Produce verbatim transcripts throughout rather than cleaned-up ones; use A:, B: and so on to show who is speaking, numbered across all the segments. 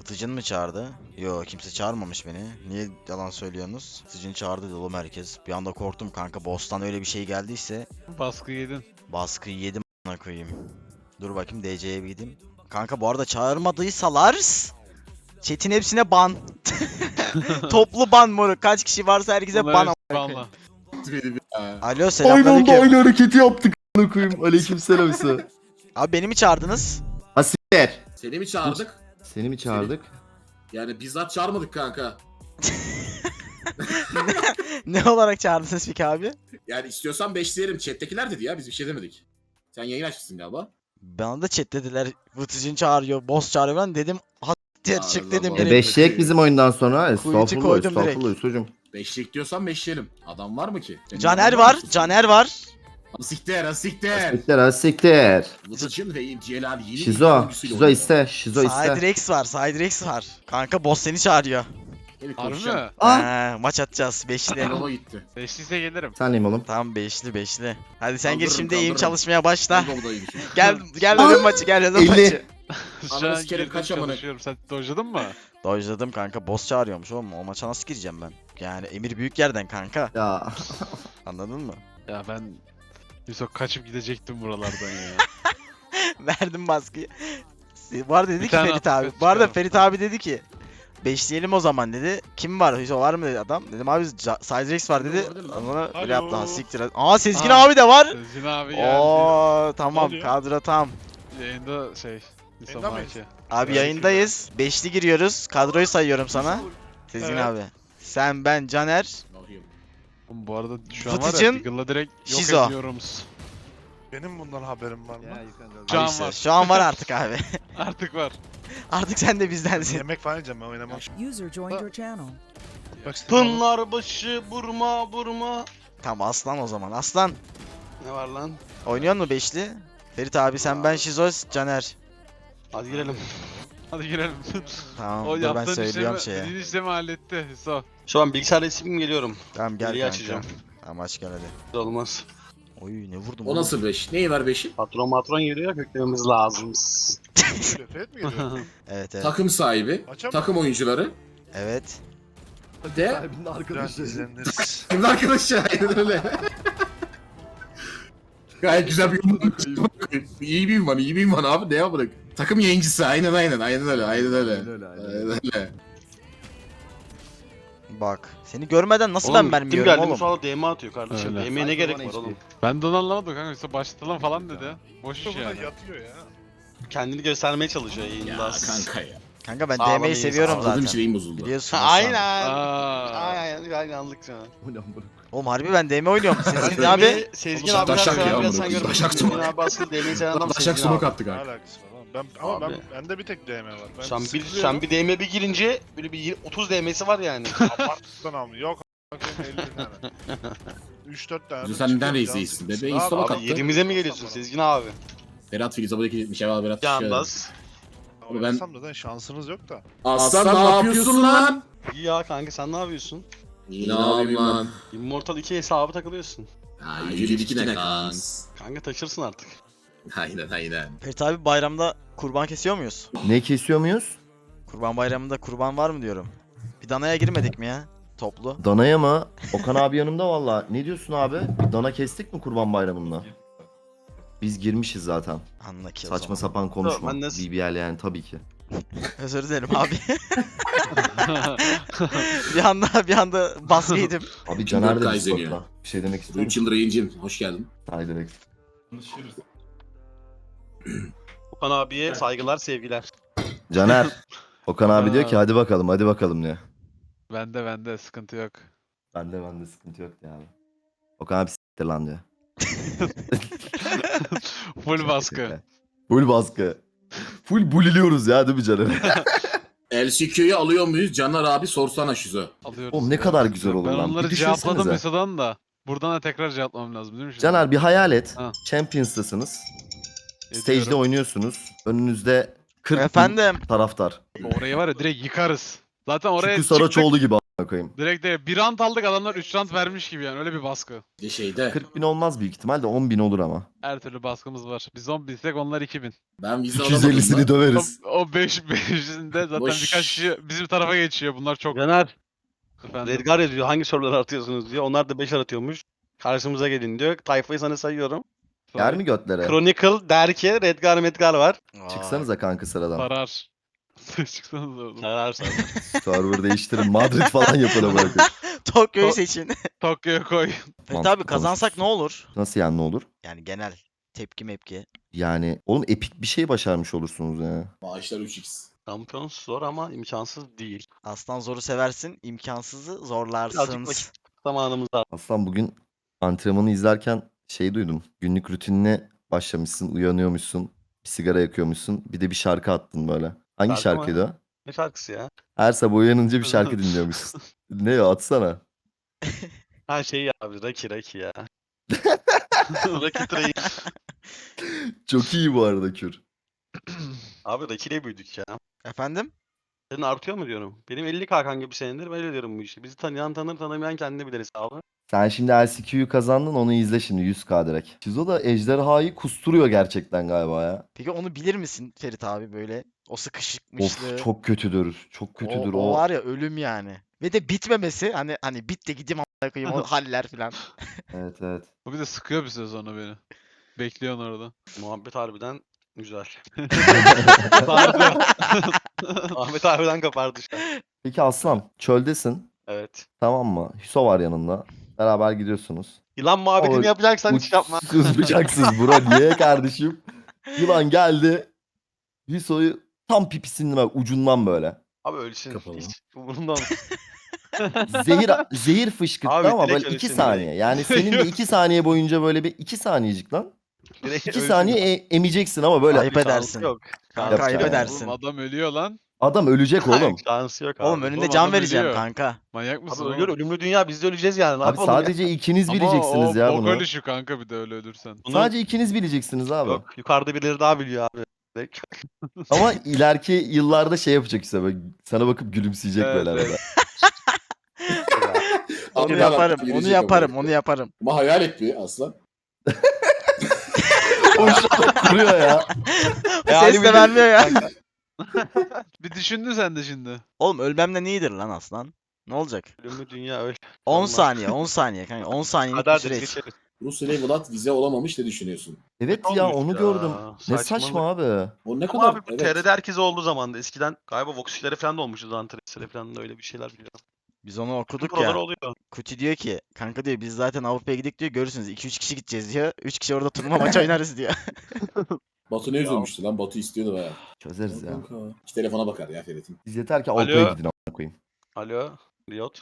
A: Vıtıcın mı çağırdı? Yo, kimse çağırmamış beni. Niye yalan söylüyorsunuz? Vıtıcın çağırdı dedi oğlum herkes. Bir anda korktum kanka. Boss'tan öyle bir şey geldiyse.
B: Baskı yedin.
A: Baskıyı yedim a**ına koyayım. Dur bakayım D C'ye bir gideyim. Kanka bu arada çağırmadıysalar chat'in hepsine ban. Toplu ban moruk. Kaç kişi varsa herkese ban a**ına koyayım.
B: Banla.
A: Alo,
C: Aynı anda
A: selamünaleyküm.
C: aynı hareketi yaptık a**ına koyayım. Aleykümselam İsa.
A: Abi beni mi çağırdınız?
C: Asikler.
D: Seni mi çağırdık?
C: Seni mi çağırdık?
D: Yani bizzat çağırmadık kanka.
A: Ne olarak çağırdınız peki abi?
D: Yani istiyorsan beşleyelim. Chat'tekiler dedi ya, biz bir şey demedik. Sen yayın açmışsın galiba.
A: Bana da chat dediler. Vıtıcın çağırıyor, boss çağırıyor ben dedim. Hatta
D: Allah
A: çık dedim
D: Allah.
C: E
A: direkt.
C: beşleyek bizim oyundan sonra.
A: Kuyucu
C: Estağfurullah
A: koydum direkt.
C: estağfurullah Yusuf'cum.
D: Beşlik diyorsan beşleyelim. Adam var mı ki? Senin
A: Caner
D: adam
A: var,
D: mısın?
A: Caner var.
D: Asiktir asiktir.
C: Asikler asikler.
D: Vıtıcın ve Celal yeni
C: Şizo.
D: oyuncusuyla
C: Şizo
D: oynuyor.
C: iste. Şizo iste.
A: Siderex var, Siderex var. Kanka boss seni çağırıyor.
D: Hadi
B: Harbi
D: konuşacağım.
B: mi?
C: Ah!
A: He, maç atacağız beşli.
D: Yola gitti.
B: Beşliyse gelirim.
C: Sen neyim oğlum?
A: Tamam beşli beşli. Hadi sen gir
D: Kaldırırım,
A: şimdi eğim
D: kaldırırım.
A: çalışmaya başla.
D: Ben de buradayım şimdi.
A: Gel gel ölüm maçı gel ölüm
C: elli.
A: maçı.
B: Şu
D: Ananı
B: an
D: sikerim,
B: girdim
D: kaç amına.
B: çalışıyorum. Sen dojladın mı?
A: Dojladım kanka, boss çağırıyormuş oğlum. O maça nasıl gireceğim ben? Yani emir büyük yerden kanka.
C: Ya.
A: Anladın mı?
B: Ya ben Yusuf kaçıp gidecektim buralardan ya.
A: Verdim baskıyı. Bu arada dedi
B: Bir
A: ki
B: tane
A: Ferit
B: attık,
A: abi. Bu arada
B: çıkarım.
A: Ferit abi dedi ki beşleyelim o zaman dedi. Kim var? Hüso var mı dedi adam. Dedim abi Siderex var dedi.
D: Var değil mi?
A: Onlara
B: Alo.
A: böyle yaptı. Ha, siktir. Aa Sezgin
B: Aa.
A: abi de var.
B: Sezgin abi geldi.
A: Oo tamam,
E: oluyor?
A: kadro tam.
B: Yayında şey. Yusuf
E: Yayında mıyız?
B: Maki.
A: Abi
E: Evet,
A: yayındayız. Beşli giriyoruz. Kadroyu sayıyorum sana. Sezgin
E: Evet.
A: abi. Sen, ben, Caner.
D: Ne yapayım?
B: Oğlum bu arada şu an var ya
A: Fıtıcın,
B: Deagle'la direkt yok
A: Şizo.
B: ediyoruz.
E: Benim bundan haberim var mı?
B: Şu an
A: İşte,
B: var.
A: Şu an var artık abi.
B: Artık var.
A: Artık sen de bizdensin.
E: Yemek falan yiyeceğim ben oynamam.
F: User joined your channel.
E: Bak
G: Pınlar başı burma burma.
A: Tamam aslan o zaman. Aslan.
G: Ne var lan?
A: Oynuyor mu beşli? Ferit abi, sen, ben, Şizoz, Caner.
G: Hadi girelim.
B: Hadi girelim.
A: Tamam
B: O
A: dur ben
B: yaptığın
A: söylüyorum
B: işlemi,
A: şeye.
B: dediğin işlemi halletti Yusuf.
G: Şu an bilgisayarda isim geliyorum.
A: Tamam gel
G: Geriye
A: kanka.
G: açacağım.
A: Tamam aç gel hadi.
G: Olmaz.
A: Oy ne vurdum
D: O
A: oğlum.
D: nasıl beş? Neyi var beşi?
G: Patron matron geliyor köklememiz lazım.
E: Fred mi geliyor?
A: Evet evet.
D: Takım sahibi,
E: Açamam.
D: takım oyuncuları.
A: Evet.
D: De.
C: Sahibinin
E: Biraz izleniriz.
D: Şimdi arkadaşlar aynen öyle. Gayet güzel bir yorum. İyi bir ünvan, iyi bir ünvan abi. Ne yapalım? Takım yayıncısı, aynen aynen, aynen öyle, aynen öyle.
C: Aynen öyle, aynen
D: Aynen öyle.
A: Bak. Seni görmeden nasıl
G: Oğlum
A: ben
G: gittim
A: vermiyorum
G: geldim
A: oğlum?
G: sonra D M atıyor kardeşim.
B: Öyle.
G: D M'ye ne gerek var oğlum?
B: Ben de onu anlamadım kanka. Yusuf başlatalım falan dedi. Boş iş
E: Burada
B: yani.
E: yatıyor ya.
G: Kendini göstermeye çalışıyor
D: Ya
G: yayında.
D: kanka ya.
A: Kanka ben
G: Sağ olun,
A: D M'yi
G: iyi,
A: seviyorum
G: sağ olun.
D: Anladığım
A: zaten.
D: için eğim bozuldu.
A: Biliyorsun.
G: Aynen.
B: Aa.
G: Aynen aynen anlık sana.
C: Bu ne amına?
A: Oğlum harbi ben D M oynuyorum. Sezgin
G: D
A: abi.
G: M'yi Sezgin
D: Oğlum,
G: abi
D: taşak
G: biraz
D: ya
G: biraz
D: bunu,
G: sen görmüşsün.
D: taşak
G: Sezgin
D: smoke.
G: abi aslında D M'yi seven adam
D: Taşak
G: Sezgin
D: smoke
G: abi.
D: attı
E: Ne
D: kanka.
E: alakası var oğlum? Ben, ama
G: Abi.
E: ben, bende bir tek D M var. Ben
G: Sen bir,
E: sıkılıyorum.
G: sen bir D M bir girince böyle bir otuz D M'si var yani.
E: Abarttıktan almıyor. Yok a**ım elli tane. üç dört tane.
D: Yüzü
E: de
D: sen
E: çıkıyor,
D: nereden
E: can
D: izleyicisin
E: sıkıntısı.
D: bebe?
E: Abi,
D: İnstalı
E: abi,
D: kattı.
G: Abi yerimize mi geliyorsun Sezgin abi?
D: Berat Filiz abadaki gitmiş. Eyvallah Berat.
G: Yalnız.
E: Oynasam da zaten şansınız yok da.
D: Aslan ne yapıyorsun lan?
G: İyi ya kanka sen ne yapıyorsun?
D: Ne yapayım lan?
G: Immortal iki hesabı takılıyorsun.
D: Ha yüce iki ne kans?
G: Kanka taşırsın artık.
D: Aynen aynen.
A: Ferit abi bayramda kurban kesiyor muyuz?
C: Ne kesiyor muyuz?
A: Kurban bayramında kurban var mı diyorum. Bir danaya girmedik mi ya? Toplu.
C: Danaya mı? Okan abi yanımda valla. Ne diyorsun abi? Bir dana kestik mi kurban bayramında? Biz girmişiz zaten.
A: Anla ki o
C: Saçma
A: zaman.
C: sapan konuşma.
G: Ben nasıl-
C: B B L yani tabii ki.
A: Özür dilerim abi. bir anda bir anda baskı yedim.
C: Abi Caner de
D: Kaizeniyor.
C: Discord'da. Bir şey demek istiyor
D: üç
C: musun?
D: yıldır yayıncıyım. Hoş geldin.
C: Haydi direkt.
G: Okan abiye saygılar sevgiler.
C: Caner. Okan abi diyor ki
B: Aa.
C: hadi bakalım hadi bakalım diyor.
B: Bende bende sıkıntı yok.
C: Bende bende sıkıntı yok ya abi. Okan abi s**tir lan diyor.
B: Full baskı.
C: Full baskı. Full buliliyoruz ya değil mi Caner?
D: L C Q'yu alıyor muyuz? Caner abi sorsana Şizo.
B: Alıyoruz.
C: Oğlum ne kadar güzel olur
B: Ben
C: lan.
B: onları
C: Bir
B: cevapladım
C: düşünsenize.
B: Yusuf'dan da. Buradan da tekrar cevaplamam lazım değil mi şimdi?
C: Caner bir hayal et.
B: Ha.
C: Champions'tasınız.
B: Ediyorum.
C: Stage'de oynuyorsunuz. Önünüzde kırk bin
A: Efendim.
C: taraftar.
B: Orayı var ya direkt yıkarız. Zaten oraya
C: Şükrü
B: çıktık.
C: Saraçoğlu gibi koyayım.
B: Direkt de bir rant aldık adamlar üç rant vermiş gibi yani öyle bir baskı.
D: Bir şeyde.
C: kırk bin olmaz büyük ihtimalle on bin olur ama.
B: Her türlü baskımız var. Biz on binsek onlar iki bin.
D: Ben vize
C: üç
D: alamadım
C: yüz ellisini
D: da.
C: döveriz.
B: O, o beş beşinde zaten
D: Boş.
B: birkaç kişi bizim tarafa geçiyor. Bunlar çok
G: Caner,
B: efendim.
G: Redgar yazıyor hangi soruları atıyorsunuz diyor. Onlar da beş atıyormuş. Karşımıza gelin diyor. Tayfayı sana sayıyorum.
C: Yer mi götlere?
G: Chronicle, Derke, Redgar, Medgar var.
A: Vay.
C: Çıksanıza kanka sıradan.
B: Sarar. Çıksanız oradan.
G: Sararsan.
C: Server değiştirin. Madrid falan yapana bırakın.
A: Tokyo'yu
B: To-
A: seçin.
B: Tokyo'ya koy.
A: Evet
C: Mantıklı
A: abi kazansak ne olur?
C: Nasıl yani ne olur?
A: Yani genel tepki mepki.
C: Yani oğlum epik bir şey başarmış olursunuz ya.
D: Maaşlar üç x.
G: Şampiyon zor ama imkansız değil.
A: Aslan zoru seversin, imkansızı
G: Birazcık
A: zorlarsın.
G: vakit zamanımız var.
C: Aslan bugün antrenmanı izlerken şey duydum. Günlük rutinine başlamışsın, uyanıyormuşsun, bir sigara yakıyormuşsun, bir de bir şarkı attın böyle. Hangi
G: Şarkı mı?
C: şarkıydı o?
G: Ne şarkısı ya?
C: Her sabah uyanınca bir şarkı dinliyormuşsun. Ne ya atsana.
G: Ha şey ya abi Raki Raki ya. Raki Train.
C: Çok iyi bu arada Kür.
G: Abi Raki ile büyüdük ya.
A: Efendim?
G: Senin artıyor mu diyorum. Benim elli K kanka bir senedir böyle diyorum bu işi. Bizi tanıyan tanır tanımayan kendini bilir hesabı.
C: Sen şimdi L C Q'yu kazandın onu izle şimdi yüz K direkt. Şizo da ejderhayı kusturuyor gerçekten galiba ya.
A: Peki onu bilir misin Ferit abi böyle? O sıkışıkmışlığı.
C: Of çok kötüdür. Çok
A: o,
C: kötüdür
A: o
C: o.
A: var ya ölüm yani. Ve de bitmemesi hani hani bit de gideyim amına koyayım o haller filan.
C: Evet evet.
B: Bu bir de sıkıyor bir süre sonra beni. Bekliyorsun orada.
G: Muhabbet harbiden güzel.
B: Sardı.
G: Ahmet harbiden kapardı şu an.
C: Peki Aslan çöldesin
G: Evet.
C: tamam mı? Hüso var yanında. Beraber gidiyorsunuz.
G: Yılan muhabbetini
C: Ama
G: yapacaksan hiç yapma.
C: Uçsuz bıçaksız bro niye kardeşim? Yılan geldi. Hüso'yu tam pipisinin bak ucundan böyle.
G: Abi ölsün.
D: Kapalı.
G: Hiç umurumda olmaz.
C: Zehir zehir fışkırttı
G: Abi
C: ama
G: direkt
C: böyle iki
G: ölsün
C: saniye. Yani senin de iki saniye boyunca böyle bir iki saniyecik lan.
G: Direkt
C: İki
G: ölsün.
C: saniye e- emeceksin ama böyle.
A: Ayıp edersin.
G: Yok.
A: Kanka
C: Yapacak
A: ayıp
C: yani.
A: edersin.
B: Oğlum adam ölüyor lan.
C: Adam ölecek oğlum.
G: Şansı yok abi.
A: Oğlum önünde
B: Oğlum
A: can
B: adam
A: vereceğim
B: ölüyor.
A: kanka.
B: Manyak mısın
G: Abi
B: oğlum?
G: ölüyor ölümlü dünya biz de öleceğiz yani. Ne
C: Abi
G: yapalım ya?
C: sadece ikiniz
B: Ama
C: bileceksiniz
B: o
C: ya
B: bok
C: bunu.
B: ölüşü kanka bir de öyle ölürsen.
G: Bunu-
C: Sadece ikiniz bileceksiniz abi.
G: Yok yukarıda birileri daha biliyor abi. Direkt.
C: Ama ileriki yıllarda şey yapacak işte böyle sana bakıp gülümseyecek
B: Evet,
C: böyle arada.
B: evet.
A: Onu
D: Abi,
A: yaparım,
D: adam
A: onu
D: gidecek
A: yaparım,
D: ama.
A: onu yaparım.
D: Ama hayal et bir aslan.
C: O şu an kuruyor ya.
A: Ses de vermiyor ya.
B: Bir düşündün sen de şimdi.
A: Oğlum ölmemden iyidir lan aslan. Ne olacak?
G: Ölümlü dünya öl.
A: on
G: Allah.
A: saniye, on saniye kanka. on saniyelik bir
G: Kader
A: süreç.
G: geçeriz.
D: Rusya Vlad vize olamamış ne düşünüyorsun?
C: Evet
G: Ne
C: ya
G: olmuş
C: onu
G: ya?
C: gördüm. Ne
G: Saçmalık.
C: saçma abi.
D: O ne
G: Ama
D: kadar?
G: abi bu
D: evet.
G: T R D herkese olduğu zaman da eskiden galiba Vox'lere falan da olmuştu Zantares'lere falan da öyle bir şeyler biliyorum.
A: Biz onu okuduk
G: Buralar
A: ya.
G: oluyor.
A: Kuti diyor ki kanka diyor biz zaten Avrupa'ya gidik diyor görürsünüz iki üç kişi gideceğiz diyor. üç kişi orada turnuva maçı oynarız diyor.
D: Batu ne üzülmüştü lan? Batu istiyordu baya.
C: Çözeriz ya.
D: İki telefona bakar ya Ferit'in.
C: Biz yeter ki
G: Alo.
C: Avrupa'ya gidin amına koyayım.
G: Alo. Riot.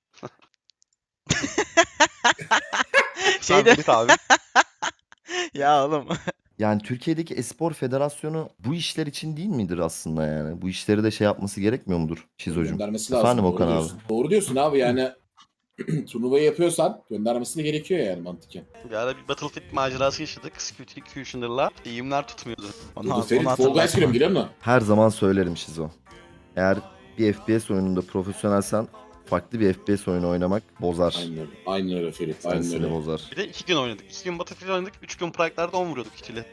A: Şeyde
G: Ferit abi.
A: ya oğlum.
C: Yani Türkiye'deki Espor Federasyonu bu işler için değil midir aslında yani? Bu işleri de şey yapması gerekmiyor mudur Şizocuğum?
D: Göndermesi lazım.
C: Efendim
D: doğru
C: Okan abi.
D: diyorsun. Doğru diyorsun abi yani. Turnuvayı yapıyorsan göndermesi de gerekiyor yani mantıken.
G: Bir ara bir Battlefield macerası yaşadık. Squid Executioner'la. Eğimler tutmuyordu.
A: Onu,
D: Dur,
A: onu
D: Ferit Fall Guys
A: hatırlatma.
D: giriyor mu giriyor mu?
C: Her zaman söylerim Şizo. Eğer bir F P S oyununda profesyonelsen farklı bir F P S oyunu oynamak bozar.
D: Aynen öyle. Aynen öyle Ferit.
C: Sen
D: Aynen
C: seni
D: öyle.
C: bozar.
G: Bir de iki gün oynadık. İki gün Battlefield oynadık. Üç gün Prike'larda on vuruyorduk ikili.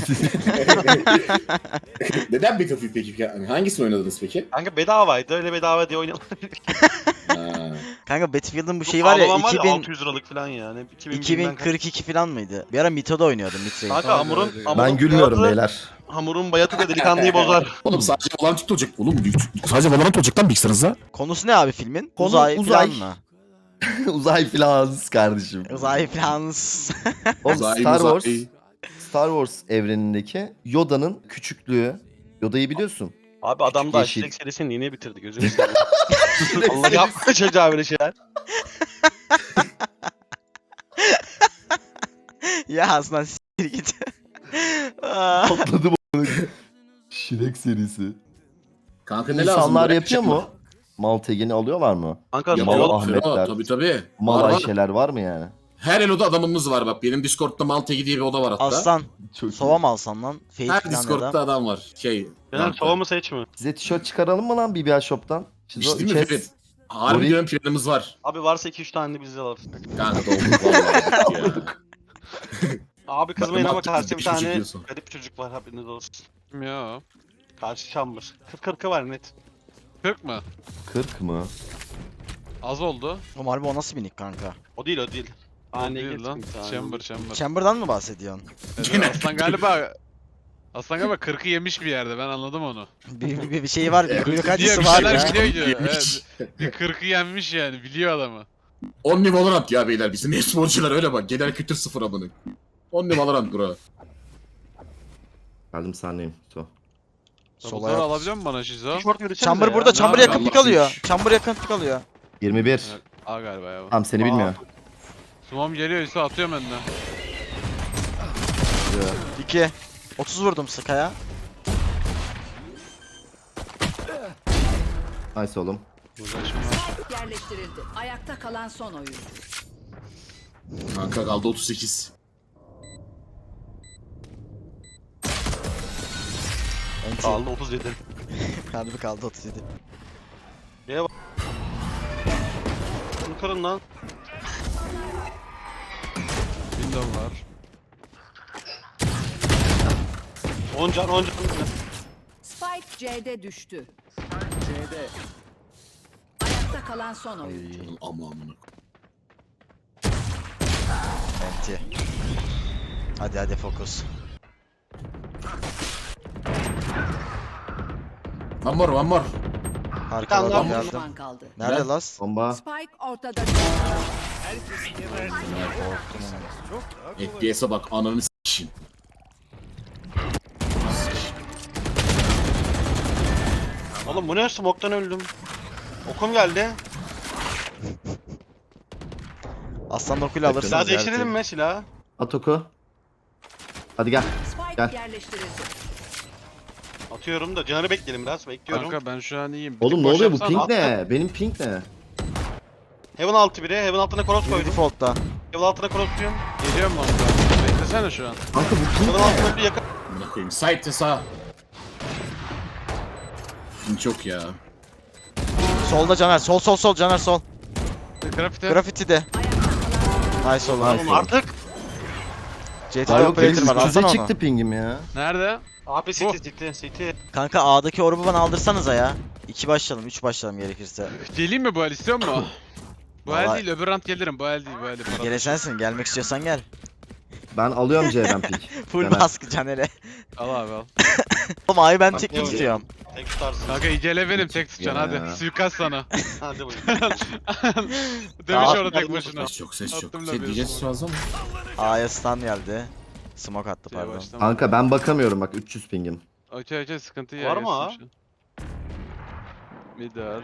D: Neden Battlefield peki? Yani hangisini oynadınız peki?
G: Kanka bedavaydı. Öyle bedava diye oynayalım.
D: Ha.
A: Kanka Battlefield'ın bu şeyi var ya
G: Ağlaman var
A: iki bin,
G: altı yüz liralık falan yani. iki bin,
A: iki bin kırk iki falan mıydı? Bir ara Mito'da oynuyordum Mitre'yi.
G: Kanka hamurun,
B: Ben
G: hamurun
C: Ben gülmüyorum
G: bayatı-
C: beyler.
G: Hamurun bayatı da delikanlıyı bozar.
D: Oğlum sadece Valorant olacak. Oğlum sadece Valorant olacak lan bilgisayarınızda.
A: Konusu ne abi filmin?
C: Konu
A: uzay,
C: uzay.
A: falan mı?
C: Uzay filans kardeşim.
A: Uzay falan.
C: Oğlum
D: Uzay,
C: Star
D: uzay.
C: Wars Star Wars evrenindeki Yoda'nın küçüklüğü. Yoda'yı biliyorsun.
G: Abi adam
C: Küçük
G: da
C: yeşil.
G: Aşirek serisini yeni bitirdi gözünü seveyim. Allah yapma çocuğa böyle şeyler.
A: ya aslında s**tir git. Aa.
C: Patladım onu. Şirek serisi.
D: Kanka ne lazım?
C: İnsanlar
D: Bırak
C: yapıyor
D: yapma.
C: mu? Maltegen'i alıyorlar mı?
G: Kanka
C: Yamal
G: Riot,
C: Ahmet. Ahmetler.
D: Tabii tabii.
C: Mal
D: Var, var.
C: Ayşeler var mı yani?
D: Her eloda adamımız var bak. Benim Discord'da Maltegi diye bir oda var hatta.
A: Aslan.
C: Çok
A: Sova mı alsan lan? Fate
D: Her
A: falan ya
D: Discord'da
A: da.
D: adam var. Şey.
G: Caner
D: Malta.
G: sova mı seç mi?
C: Size tişört çıkaralım mı lan B B L Shop'tan? Şizo,
D: İşte mi
C: chat,
D: Ferit? Harbi
C: Orayı-
D: diyorum planımız var.
G: Abi varsa iki üç tane de bizde alırız.
D: Kanka dolduk vallahi ya.
G: Abi kızmayın ama
D: Matematik
G: karşıda bir
D: bir şey
G: tane
D: çekiyorsun.
G: garip çocuk var haberiniz olsun.
B: Ya.
G: Karşı Chamber. kırk kırkı var net.
B: kırk mı?
C: kırk mı?
B: Az oldu.
A: Oğlum harbi o nasıl bir nick kanka?
G: O değil o değil.
B: O
G: Anne
B: değil
G: geç
B: lan.
G: bir tane.
B: Chamber chamber.
A: Chamber'dan mı bahsediyorsun?
B: Evet,
D: Genel
B: Aslan galiba Aslan galiba kırkı yemiş bir yerde, ben anladım onu.
A: Bir, bir, bir şeyi var, bir
D: Evet,
A: kuyruk
B: Diye
A: acısı
B: bir
A: var
B: şeyler
A: ya.
B: biliyor ki.
D: Yemiş.
B: Evet, bir kırkı yenmiş yani, biliyor adamı.
D: On Valorant ya beyler. Bizim e-sporcular öyle bak. Genel kültür sıfır abone. On Valorant bro.
C: Geldim sahneyim. So.
A: Sola
B: Solları
A: yap.
B: alabiliyor musun bana Şizo?
G: Short yürüsenize
A: Chamber
G: ya.
A: burada,
B: Ne
A: Chamber
B: yapıyor?
A: yakın pik
D: Allah
A: alıyor.
D: siz.
A: Chamber yakın pik alıyor.
C: yirmi bir.
B: Evet, A galiba ya.
C: Tamam seni
G: Aa.
C: bilmiyor.
B: Sumam geliyor, Yusuf atıyorum önüne.
A: iki. otuz vurdum Sky'a.
C: Nice oğlum.
B: Uğraşma.
F: Yerleştirildi. Ayakta kalan son oyun.
D: Kanka kaldı otuz sekiz.
A: Enti.
G: Kaldı otuz yedi.
A: Harbi kaldı otuz yedi.
G: Bunu kırın lan.
B: Window var.
G: on can on can.
F: Spike C'de düştü. C'de. Ayakta kalan son oyun.
D: Ama amına.
A: Enti. Hadi hadi fokus.
D: One more one more.
A: Harika
G: tane daha
A: adam
F: Bir
A: geldi.
F: düşman kaldı.
A: Nerede
D: Gel.
A: las?
C: Bomba.
F: Spike ortada.
D: F P S'e bak ananı s***in.
G: Oğlum bu ne, smoke'tan öldüm. Okum geldi.
A: Aslan okuyla alırsınız.
G: Silah
A: ya,
G: değiştirelim
A: Ertuğ.
G: mi silahı?
C: At oku. Hadi gel.
F: Spike
C: Gel.
F: yerleştirildi.
G: Atıyorum da canı bekleyelim biraz, bekliyorum.
B: Kanka ben şu an iyiyim. Bir
C: Oğlum
B: tık
C: ne
B: boş
C: oluyor bu
B: yapsana.
C: ping
B: At-
C: ne? Benim ping ne?
G: Heaven altı biri, Heaven altına cross
A: Bir
G: koydum.
A: default'ta.
G: Heaven altına cross diyorum.
B: Geliyorum lan ben. Beklesene şu an.
C: Kanka bu ping
G: Heaven
C: ne?
G: altına bir yakın.
D: Amına koyayım. Side sağ. Çok ya.
A: Solda Caner. Sol sol sol Caner sol.
B: Grafite.
A: Graffiti de. Nice oldu.
C: Nice.
A: Nice.
G: Artık.
A: C T'de
C: Aa yok
A: operator var.
C: benim
A: Alsana onu.
C: çıktı pingim ya.
B: Nerede?
G: Abi
B: Bu.
G: city city city.
A: Kanka A'daki orbu bana aldırsanıza ya. iki başlayalım, üç başlayalım gerekirse.
B: Geleyim mi bu el, istiyor musun? Bu el
A: Vallahi-
B: değil, öbür round gelirim. Bu el değil, bu el değil.
A: Gele sensin. Gelmek istiyorsan gel.
C: Ben alıyorum C'den ping.
A: Full
C: Caner.
A: baskı Caner'e.
B: Al abi al.
A: Oğlum A'yı ben
G: Bak,
A: tek
G: ne oluyor?
A: tutuyorum.
G: Tek tutarsın.
B: Kanka İgele benim, tek tutacaksın
C: Ya.
B: hadi. Suikast sana.
G: Hadi buyur.
B: Demiş
A: Aa,
B: orada tek başına.
D: Ses çok ses çok.
B: Attım
D: Şey
B: da
D: diyeceğiz fazla mı?
A: A'ya stun geldi. Smoke attı
B: Şeye
A: pardon.
B: başlama.
C: Kanka ben bakamıyorum bak üç yüz pingim.
B: Okey okey, sıkıntı
G: Var
B: ya.
G: mı ha?
B: Midar.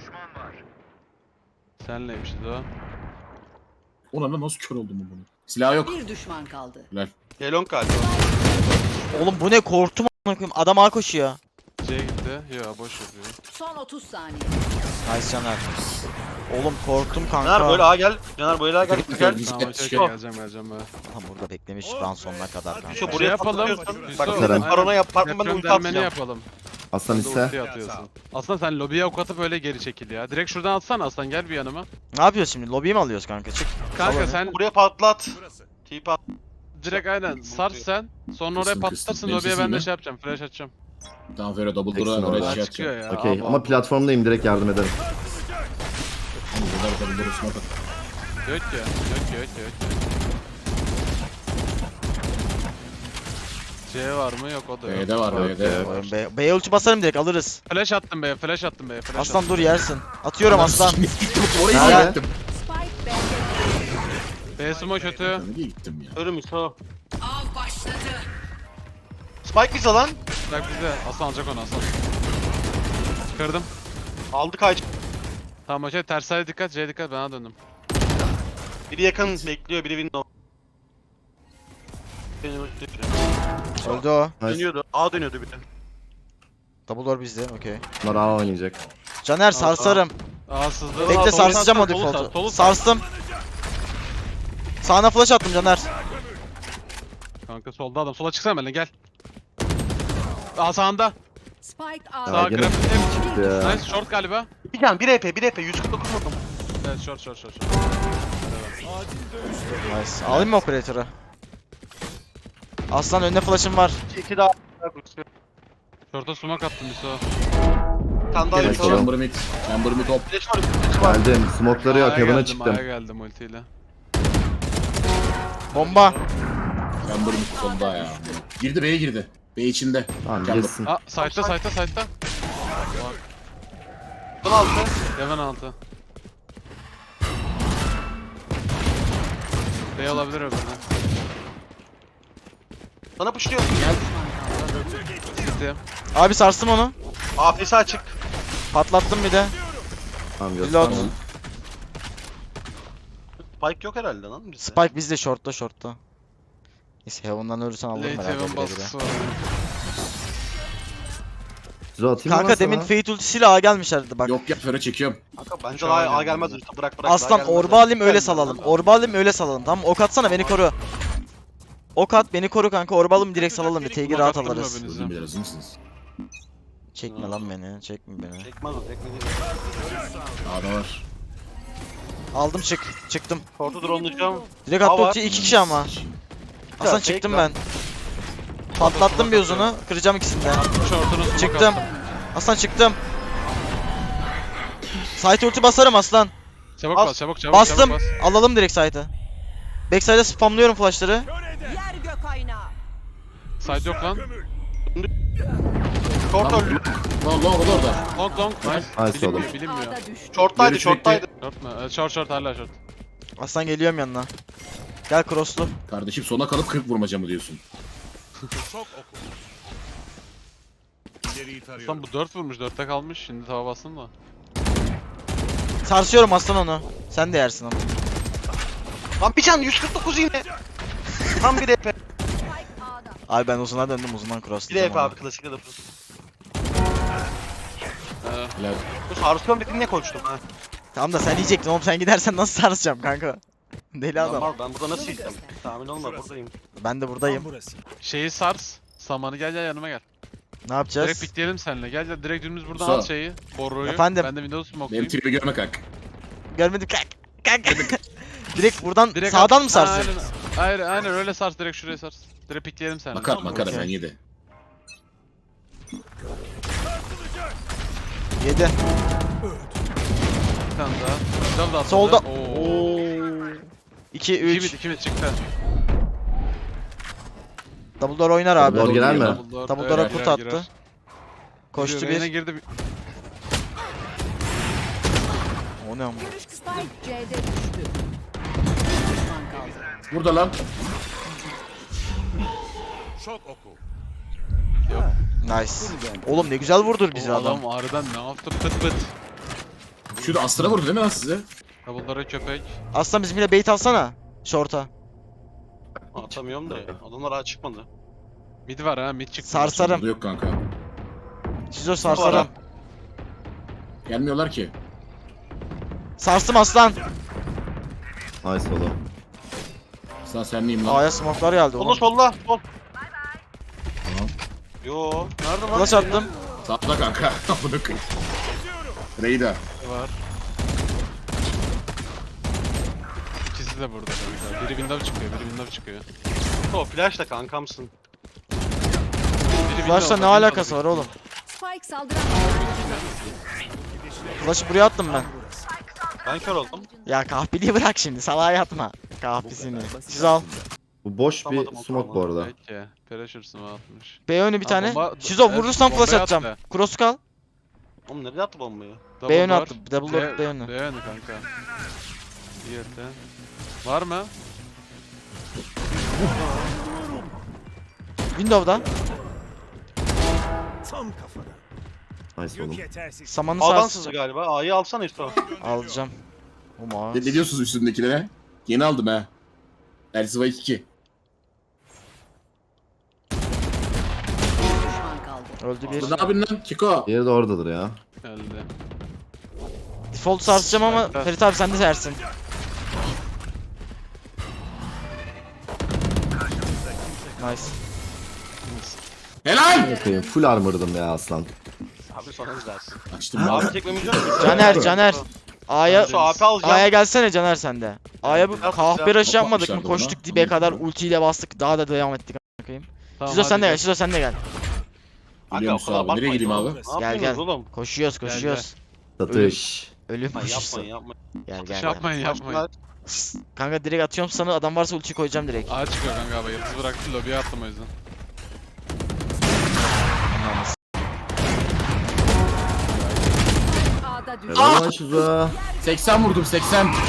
B: Senleymişiz o.
D: Ulan nasıl kör oldum bu bunu? Silah yok.
F: Bir düşman kaldı.
G: Yelon galiba.
A: Oğlum bu ne korktum a**ına koyayım. Adam A koşuyor.
B: C gitti. Yo boş yapıyor.
F: Son otuz saniye.
A: Nice Caner. Oğlum korktum kanka.
G: Caner böyle A gel. Caner böyle A gel.
D: Dikkat
G: Gel.
D: et,
B: Tamam
D: dikkat
B: okey
D: et.
B: okey, geleceğim geleceğim böyle.
A: Adam burada beklemiş round sonuna kadar kanka.
G: Şu
B: Şey
G: buraya
B: yapalım.
G: patlıyorsun. Bak
B: Yusuf,
G: bir de
C: aynen.
G: parona yap. Parkman ben de
B: Deprem
G: ulti
B: dermeni
G: atacağım.
B: yapalım.
C: Aslan
B: Sen de
C: iste.
B: ulti atıyorsun. Aslında sen lobiye ok atıp öyle geri çekil ya. Direkt şuradan atsana Aslan, gel bir yanıma.
A: Ne yapıyoruz şimdi? Lobiyi mi alıyoruz kanka? Çık.
B: Kanka
A: Salon.
B: sen
G: Buraya patlat. Tip at.
B: direkt aynen sar sen. Sonra oraya
D: Kıstım,
B: patlarsın,
D: kıstım. Benim
B: lobiye
D: sesim
B: ben de
D: ne?
B: şey yapacağım. Flash atacağım.
D: Tamam Fero double
C: Teksin
D: door'a
C: orada.
D: oraya şey
B: Aa, çıkıyor
D: atacağım.
B: ya.
C: Okey
B: Al,
C: ama
B: al.
C: platformdayım direkt yardım ederim.
D: Double door'a smoke at.
B: Yok ya. Yok ya. Yok ya. Yok ya. C var mı? Yok, o da yok.
D: B'de var
C: Yok
D: B'de.
C: ya.
A: Oğlum B, B'ye ulti basarım direkt alırız.
B: Flash attım be, flash attım be, flash
A: Aslan
B: attım.
A: dur yersin. Atıyorum aslan.
D: Gittim oraya
A: Nerede?
D: gittim.
F: Spike B'de.
B: B sumo kötü.
D: Nereye gittim ya?
G: Ölüm İso.
F: Av başladı.
G: Spike bize lan.
B: Bırak bize. Aslan alacak onu, Aslan. Kırdım.
G: Aldı kaç.
B: Tamam okey, ters side dikkat, C dikkat, bana döndüm.
G: Biri yakın bekliyor, biri window. Benim ulti-
A: Öldü o.
C: Nice.
G: Dönüyordu. A dönüyordu bir de.
A: Double door bizde. Okey.
C: Bunlar A oynayacak.
A: Caner sarsarım.
B: Aa sızdı.
A: Bekle
B: Aa, solu
A: sarsacağım
B: sar,
A: o
B: solu sar,
A: default'u.
B: solu sar.
A: Sarstım. Sağına flash attım Caner.
B: Kanka solda adam, sola çıksana benimle, gel. Aa sağında.
F: Spike
C: Ya
F: A'da.
B: Sağ
C: gene
B: grafik.
C: çıktı ya.
B: Nice, short galiba.
G: bir can, bir E P, bir E P, yüz kırk dokuz vurdum.
B: Evet short short short. short.
A: Nice. Alayım mı operatörü? Aslan önüne flash'ım var.
G: İki daha.
B: Short'a smoke attım bir so.
G: Bir tane daha
C: Evet,
G: yapalım.
C: tamam.
D: Chamber mid. Chamber mid top.
G: Flash var, flash var.
C: Geldim. Smoke'ları yok.
B: A'ya
C: Heaven'a
B: geldim,
C: çıktım.
B: A'ya geldim ultiyle.
A: Bomba.
D: Chamber mid solda ya. Girdi B'ye girdi. B içinde.
C: Tamam
D: Chamber.
C: girsin.
B: Aa site'da site'da site'da.
G: Son altı.
B: Heaven altı. Bey olabilir öbürüne.
G: Sana pushluyor.
B: City.
A: Abi sarstım onu.
G: A F S açık.
A: Patlattım bir de.
C: Tamam
A: Reload.
C: gösterdim.
G: Spike yok herhalde lan bizde.
A: Spike bizde shortta shortta. Neyse Heaven'dan ölürsen alırım
B: Late
A: herhalde
B: Heaven
A: bire bire.
B: baskısı var.
C: Zero atayım mı
A: Kanka
C: lan
A: demin
C: sana?
A: Fate ultisiyle A gelmişlerdi bak.
D: Yok ya Fero çekiyorum.
G: Kanka bence
B: Şu
G: daha
B: an
G: A gelmez
B: gelmedi.
G: usta, bırak bırak.
A: Aslan
G: daha gelmez.
A: orba alayım öyle
G: Gelmez
A: salalım.
G: lan.
A: Orba alayım öyle salalım tamam mı? Ok atsana beni koru. Ok at beni koru kanka. Orba alayım direkt salalım. Bir T'yi rahat
B: Attım mı
A: alırız.
B: hepinizi?
D: Özür dilerim hazır mısınız?
A: Çekme lan beni. Çekme beni.
G: Çekmez o çekmez.
D: A'da var.
A: Aldım çık. Çıktım.
G: Short'u drone'layacağım.
A: Direkt
G: A
A: attı
G: var.
A: ulti iki kişi ama. Aslan
G: fake
A: çıktım
G: lan.
A: ben. Patlattım bir uzunu. Kıracağım ikisini de.
B: Short'unu smoke
A: Çıktım.
B: attım.
A: Aslan çıktım. Site ulti basarım aslan.
B: Çabuk
G: As-
B: bas çabuk çabuk
A: Bastım.
B: çabuk bas.
A: Alalım direkt site'ı. Backside'e spamlıyorum flash'ları.
F: Yer gök aynağı.
B: Side yok lan.
G: Short öldü.
D: Long long o da orada.
B: Long long. Nice.
C: Nice oğlum.
B: Bilinmiyor bilinmiyor.
F: A'da düştü.
G: Short'taydı
D: Geri
G: short'taydı.
B: Short mu? Evet, short short hala short.
A: Aslan geliyorum yanına. Gel crosslu.
D: Kardeşim sona kalıp kırk vurmaca mı diyorsun?
E: Çok oku. İleriyi
B: Aslan
E: tarıyorum.
B: bu dört vurmuş dörtte kalmış. Şimdi tava bassın da.
A: Sarsıyorum aslan onu. Sen de yersin ama.
G: Lan bir can yüz kırk dokuz yine. Tam bir E P.
F: Spike A'da.
A: Abi ben uzuna döndüm uzundan
G: Bir E
A: crosslayacağım
G: P
A: onu.
G: abi klasik de yapıyorsun.
B: Ee,
D: Helal.
G: Dur sarsıyorum dediğin ne konuştum ha?
A: Tamam da sen yiyecektin oğlum sen gidersen nasıl sarsacağım kanka? Deli adam.
G: Normal ben burada nasıl yiyeceğim? Tahmin olma buradayım.
A: Ben de buradayım.
B: şeyi sars. Samanı gel gel yanıma gel.
A: Ne
B: Direkt
A: yapacağız?
B: pikleyelim seninle. Gel gel direkt dümdüz buradan
D: Sağ.
B: al şeyi. Borroyu.
A: Efendim?
B: Ben de Windows
D: Benim
B: smoke'layım.
D: tribi görme kalk.
A: Görmedim kanka. Kanka. Direkt buradan
B: Direkt
A: sağdan
B: at-
A: mı sarsın?
B: Aynen, aynen, aynen öyle sars direkt şuraya sars. Direkt pikleyelim seninle.
D: Makar
B: tamam mı?
D: makara
A: Okey.
D: ben yedi.
A: Yedi.
B: Bir tane daha. Güzel de atladı.
A: Solda.
B: Oo.
A: Oo. İki,
B: İki
A: üç.
B: mid, iki mid çıktı.
A: Double door oynar abi.
C: Double door girer mi?
B: Double
A: Double
B: evet,
A: door'a
B: girer,
A: kurt attı.
B: girer.
A: Koştu
B: Giriyor, Reyna
A: bir.
B: girdi. bir-
A: O ne ama?
F: Spike C'de düştü. Bir düşman kaldı.
D: Burada lan.
E: Çok oku.
A: Nice. Oğlum ne güzel vurdur bizi
B: O
A: adam.
B: adam harbiden ne yaptı pıt pıt.
D: Şurada Astra vurdu değil mi lan size?
B: Double door'a köpek.
A: Aslan bizimle bait alsana. Short'a.
G: Atamıyorum da ya. Adamlar ağa çıkmadı.
B: Mid var ha mid çıktı.
A: Sarsarım.
D: Burada yok kanka.
A: Şizo sarsarım.
D: Gelmiyorlar ki.
A: Sarstım aslan.
C: Nice oğlum.
D: Sen sen miyim lan?
A: A'ya smoke'lar geldi
G: Solla
A: oğlum.
G: solla. Sol.
D: Tamam.
G: Yo. Nerede lan?
A: Flash attım.
D: Sağda kanka. Bunu kır. Reyda.
B: Var. İkisi de burada kanka. Biri window çıkıyor, biri window çıkıyor.
G: O flash da kankamsın.
B: Biri
A: Flash'la
B: window,
A: ne
B: biri
A: alakası var
B: window.
A: oğlum?
F: Spike saldıran
A: Flash'ı buraya attım ben.
G: Ben kör oldum.
A: Ya kahpeliği bırak şimdi. Salağa yatma. Kahpisini. Siz al.
C: Bu boş bir
G: Tutamadım o
C: smoke bu
G: zaman.
C: arada.
B: Peki. Pressure smoke atmış.
A: B önü bir
B: Ha,
A: tane.
B: bomba-
A: Şizo
B: evet,
A: vurursan flash
B: bombayı
A: atacağım.
B: attı.
A: Cross kal.
G: Oğlum nereye attı bombayı?
B: Double
A: B önü
B: door.
A: attım. Double door B önü.
B: B önü kanka. İyi etti. Var mı?
A: Window'da.
E: Tam kafada.
C: Nice oğlum.
E: Yük yetersiz.
A: Samanı
G: A'dan
A: sars.
G: sızdı galiba. A'yı alsana İsto.
A: Alacağım. Ama.
D: Ne, ne diyorsunuz üstündekilere? Yeni aldım ha. Elsiva iki.
F: düşman kaldı.
A: Öldü bir.
D: Ne yapıyorsun lan Kiko?
C: Diğeri de oradadır ya.
B: Geldi.
A: Default sarsacağım ama
B: Kanka.
A: Ferit abi sen de sersin. Nice.
D: Helal!
C: Bakayım full armor'dım ya aslan.
G: Abi sonra izlersin.
D: Açtım ben.
G: Abi çekmemiz yok mu?
A: Caner, Caner. A'ya
G: Şu A P alacağım.
A: A'ya gelsene Caner sen de. A'ya bu
G: Yapacağım.
A: kahpe rush yapmadık mı?
D: Yapmışlardı
A: Koştuk
D: buna.
A: dibe kadar ultiyle bastık. Daha da devam ettik. Bakayım.
B: Tamam,
A: Şizo
B: hadi
A: sen de
B: gel.
A: gel. Şizo sen de gel.
D: Biliyor musun abi? Nereye gideyim abi?
G: Ne yapıyorsunuz
A: gel.
G: oğlum?
A: Koşuyoruz, koşuyoruz.
C: Satış.
A: Ölüm
G: Ay
A: koşusu.
G: yapmayın yapmayın.
A: Gel
B: Şey
A: gel. gel.
B: yapmayın yapmayın.
A: Kanka direkt atıyorum sana. Adam varsa ulti koyacağım direkt.
B: A çıkıyor kanka abi. Yıldız bıraktı lobiye attım o yüzden.
F: A'da düştü.
C: Helal lan Şizo.
D: seksen vurdum seksen.
F: Düşman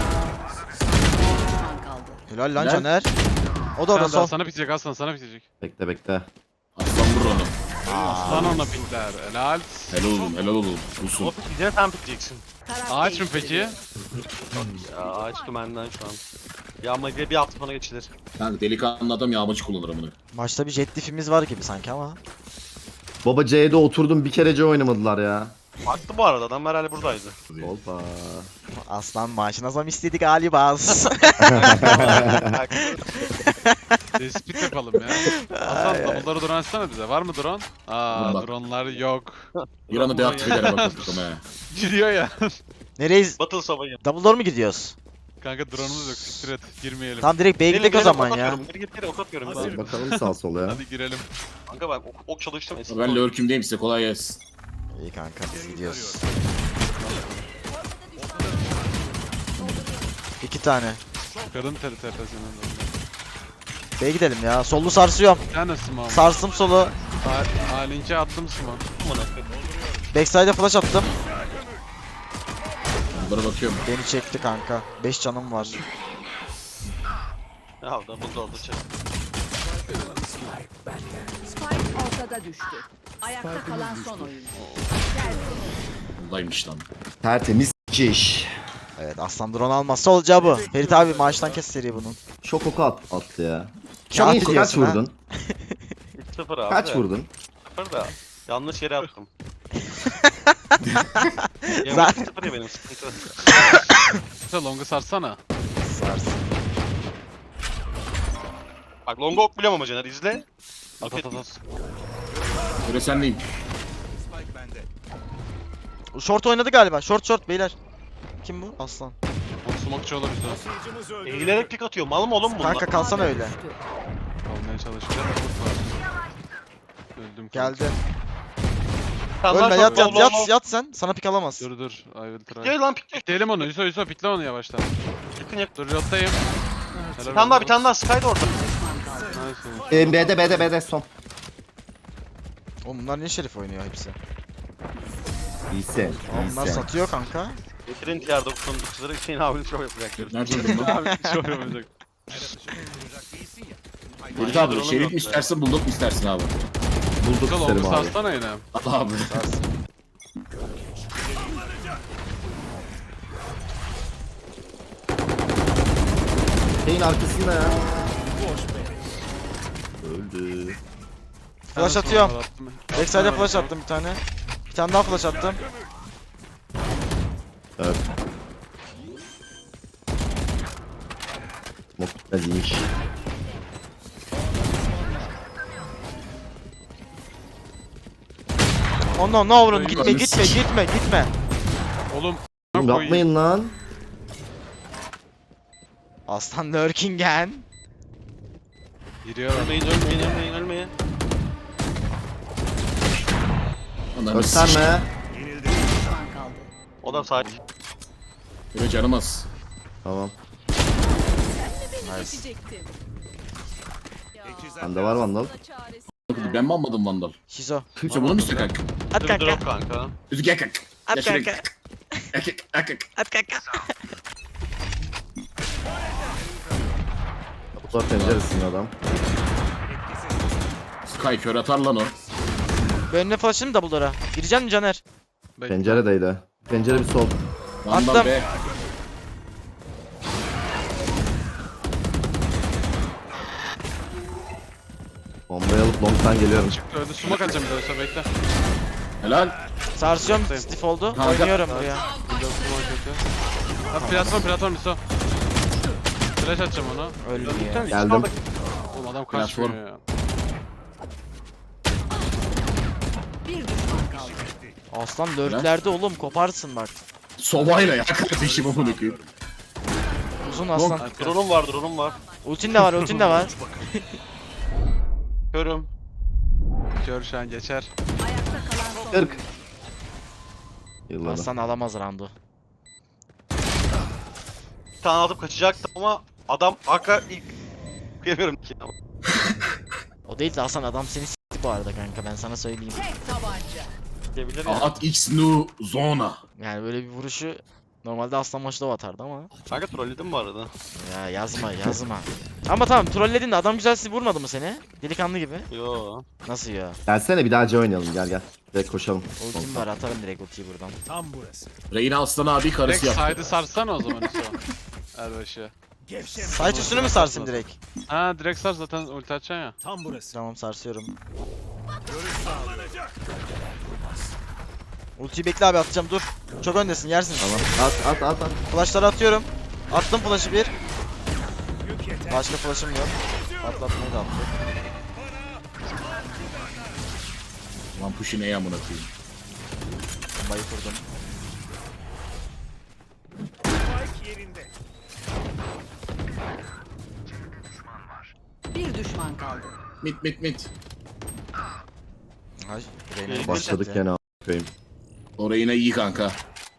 F: kaldı.
A: Helal lan
D: Helal.
A: Caner. O da orada
B: Sen daha
A: sol.
B: sana bitecek aslan sana bitecek.
C: Bekle bekle.
D: Aslan vur onu.
B: Aslan ona pikler. Helal.
D: Helal oğlum helal oğlum. Bulsun.
G: O yine sen biteceksin.
F: Taraf
B: Ağaç mı
F: değiştirdi.
B: peki?
G: Ya ağaç dümenden şu an. Yağma diye bir hafta sonra geçilir.
D: Kanka delikanlı adam yağmacı kullanır amına.
A: Maçta bir jet diff'imiz var gibi sanki ama.
C: Baba C'de oturdum bir kere C oynamadılar ya.
G: Baktı bu arada adam herhalde buradaydı.
C: Hoppa.
A: Aslan maaşına zam istedi galiba.
B: Tespit yapalım ya. Aslan double'ları drone açsana bize. Var mı drone? Aa
D: Dur bak.
B: drone'lar yok.
D: Bir anda deaktif eder bakalım he.
B: Gidiyor ya.
A: Nereyiz?
G: Battle Sava'yı.
A: Double door mu gidiyoruz?
B: Kanka drone'umuz yok. Siktir et. Girmeyelim.
A: Tamam direkt B'ye gidelim o zaman ya.
G: Geri git geri ok atıyorum. ben.
C: Bakalım sağ sol ya.
B: Hadi girelim.
G: Kanka ben ok, ok çalıştım. eski
D: Ben
G: ok.
D: lurkümdeyim size kolay gelsin.
A: İyi kanka biz gidiyoruz. İki tane.
B: Kadın teri tepesinin.
A: B'ye gidelim ya. Sollu sarsıyorum.
B: Bir tane small.
A: Sarsım solu.
B: A linke attım small.
G: Amına koyayım.
A: Backside'e flash attım.
D: Bunlara bakıyorum.
A: Beni çekti kanka. beş canım var.
G: Ya da bu da oldu çek.
F: Spike ortada düştü. Ayakta kalan son oyuncu.
D: Buradaymış lan.
C: Tertemiz iş.
A: Evet aslan drone almazsa olacağı bu. Ferit abi maaştan kes seri bunun.
C: Çok oku at, attı ya.
A: Kağıt
C: Kaç, kaç
A: diyorsun ha?
C: vurdun?
G: üç sıfır abi.
C: Kaç
G: de.
C: vurdun?
G: sıfır da. Yanlış yere attım.
A: Zaten-
G: Zaten sıfır ya benim sıkıntı.
B: Sen long'u sarsana.
A: Sarsın.
G: Bak longa ok biliyorum ama Caner izle.
B: At at at at.
D: Böyle sendeyim.
A: Short oynadı galiba. Short short beyler. Kim bu? Aslan.
B: O smokeçi olabilir o.
G: Eğilerek pik atıyor. Mal mı oğlum bunlar?
A: Kanka kalsana öyle.
F: Düştü.
B: Kalmaya çalışacağım. Öldüm kanka.
A: Geldi.
G: Sen daha
A: Ölme
G: çok
A: yat yat
G: bol
A: yat
G: bol-
A: yat sen. Sana pik alamaz.
B: Dur dur. I will try.
G: Gel lan pik gel.
B: Pikleyelim onu. Yusuf Yusuf pikle onu yavaştan.
G: Yakın yakın.
B: Dur yottayım.
G: Bir tane daha bir tane daha Sky da orada.
B: Nice.
C: Ee, B'de B'de B'de son.
A: Oğlum bunlar niye şerif oynuyor hepsi?
C: İyisin.
A: Oğlum bunlar
C: iyisin.
A: satıyor kanka.
G: Getirin T R doksanın dokuzları Hüseyin abinin şov yapacak.
D: Nerede öldün lan?
B: Abi bir şey olmayacak.
D: Ferit abi şerif mi istersin bulduk mu istersin abi?
C: Bulduk
B: Güzel
C: isterim
B: oldu
C: abi.
B: sarsana yine.
D: Al abi.
A: Sarsın.
C: Şeyin arkasında ya. Öldü.
A: Flash atıyorum. Backside'e flash attım bir tane. Bir tane daha flash attım.
C: Evet. Smoke bitmezmiş.
A: Oh no no vurun
B: Ay,
A: gitme
D: ananı
A: gitme
D: sikeyim.
A: gitme gitme.
B: Oğlum.
C: Oğlum yapmayın lan.
A: Aslan lurkingen.
B: Giriyor.
G: Ölmeyin ölmeyin ölmeyin ölmeyin.
D: Ananı sikeyim.
C: Gösterme.
F: Düşman kaldı.
G: O da sahip.
D: Böyle canım az.
C: Tamam.
A: Nice.
C: Bende var vandal.
D: Ben mi almadım vandal?
A: Şizo.
D: Kimse bunu mu istiyor kanka?
A: At
G: Dur
A: kanka.
G: drop kanka.
D: Üzü gel kanka.
A: At
D: Gel şuraya
A: kanka.
D: gel. Gel gel gel.
A: At kanka.
C: Kapılar penceresinde adam.
D: Sky kör atar lan o.
A: Ben önüne flash'ını double door'a. Gireceksin mi Caner?
C: Penceredeydi. Pencere bir sol.
D: Vandal
A: Attım.
D: be.
C: Bombayı alıp long'tan geliyorum.
B: Çıktı öldü. Smoke atacağım bir daha Yusuf bekle.
D: Helal.
A: Sarsıyorum stiff oldu.
D: Kanka.
A: Oynuyorum buraya.
B: Windows smoke kötü. Abi platform platform Yusuf. Flash atacağım ona.
A: Öldü ya.
C: Geldim.
B: Oğlum adam
D: Platform.
B: kaçmıyor ya.
F: Bir düşman kaldı.
A: Aslan lurklerde oğlum koparsın bak.
D: Sobayla ya kardeşim amına koyayım.
A: Uzun aslan.
G: Drone'um var drone'um var.
A: Ultin de var ultin de var.
G: Körüm.
B: Kör şu an geçer.
F: Ayakta kalan son.
C: kırk. Yılladı.
A: Aslan alamaz roundu.
G: Bir tane atıp kaçacaktım ama adam hakikaten ilk kıyamıyorum ki.
A: O değil de Hasan adam seni s**ti bu arada kanka ben sana söyleyeyim.
F: Tek tabanca.
G: Diyebilir ya.
D: At X nu zona.
A: Yani böyle bir vuruşu normalde Aslan Maçlov atardı ama.
G: Kanka trolledim bu arada.
A: Ya yazma yazma. Ama tamam trolledin de adam güzel sizi vurmadı mı seni? Delikanlı gibi.
G: Yo.
A: Nasıl ya?
C: Gelsene bir daha C oynayalım gel gel. Direkt koşalım.
A: Ultim var atarım direkt ultiyi buradan.
D: Reyna Aslan abi karısı
B: Direkt
D: yaptı.
B: side'ı sarsana o zaman Hüso. Erbaşı.
A: Site üstünü mü sarsın direkt?
B: Ha direkt sar zaten ulti açacaksın ya.
A: Tamam sarsıyorum. Ultiyi bekle abi atacağım dur. Çok öndesin yersin.
C: Tamam. At at at at.
A: Flashları atıyorum. Attım flash'ı bir. Başka flash'ım yok. Patlatmayı da attım.
D: Lan puşu neye amına koyayım.
A: Bombayı kurdum.
F: Bir düşman kaldı.
D: Mit mit mit.
A: Ay, Reyna
G: Başladık
C: Başladık gene a**ayım.
D: O Reyna iyi kanka.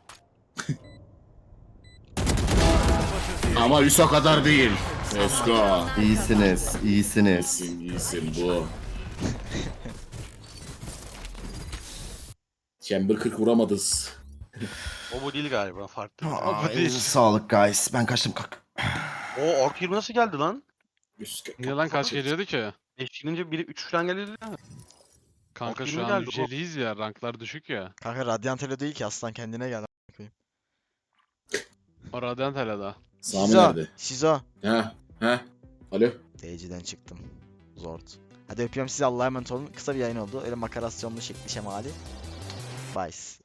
D: Ama Hüso kadar değil. Let's go.
C: İyisiniz, iyisiniz.
D: İyisin iyisin bu. Chamber kırk vuramadız.
G: O bu değil galiba farklı.
C: Aa, elinize sağlık guys. Ben kaçtım kalk.
G: O Ork yirmi nasıl geldi lan?
B: Niye lan kaç geliyordu ki?
G: beş gelince biri üç falan geliyordu ya.
B: Kanka
G: Ork
B: şu
G: yirmi
B: an
G: geldi, o-
B: yüceliyiz ya ranklar düşük ya.
A: Kanka Radiant öyle değil ki aslan kendine gel.
B: O Radiant hele daha.
D: Sami
A: Şizo.
D: nerede?
A: Şizo.
D: Ha? Ha? Alo?
A: D C'den çıktım. Zord. Hadi öpüyorum sizi Allah'a emanet olun. Kısa bir yayın oldu. Öyle makarasyonlu şekli şemali. Bye.